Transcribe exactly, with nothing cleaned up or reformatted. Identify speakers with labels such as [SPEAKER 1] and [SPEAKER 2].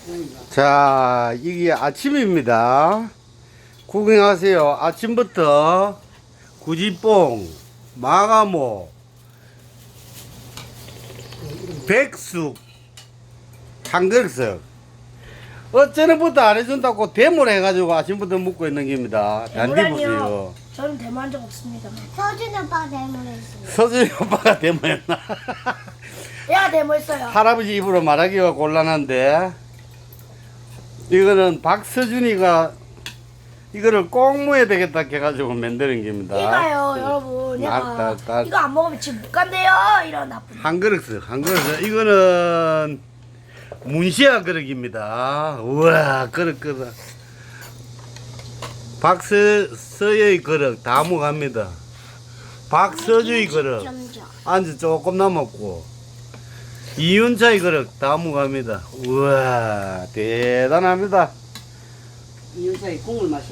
[SPEAKER 1] 자, 이게 아침입니다. 구경하세요. 아침부터 구지뽕, 마가모, 백숙, 한글석. 어쩌는부터 안 해준다고 대모를 해가지고 아침부터 묵고 있는 겁니다. 단디 보세요.
[SPEAKER 2] 저는 대모한 적 없습니다.
[SPEAKER 3] 서준 오빠 대모했어요.
[SPEAKER 1] 서준이 오빠가 대모했나?
[SPEAKER 2] 내가 대모했어요.
[SPEAKER 1] 할아버지 입으로 말하기가 곤란한데, 이거는 박서준이가 이거를 꼭 모여야 되겠다 해가지고 만드는 겁니다.
[SPEAKER 2] 이거요, 여러분.
[SPEAKER 1] 나-
[SPEAKER 2] 얘가
[SPEAKER 1] 나- 나-
[SPEAKER 2] 이거 안 먹으면 집 못 간대요. 이런 나쁜.
[SPEAKER 1] 한 그릇, 한 그릇. 이거는 문시아 그릇입니다. 우와, 그릇, 그릇. 박서의 그릇 다 먹합니다. 박서주의 그릇 안주 조금 남았고, 이윤차의 그릇 다 먹합니다. 우와, 대단합니다.
[SPEAKER 4] 이윤사의 국물 마시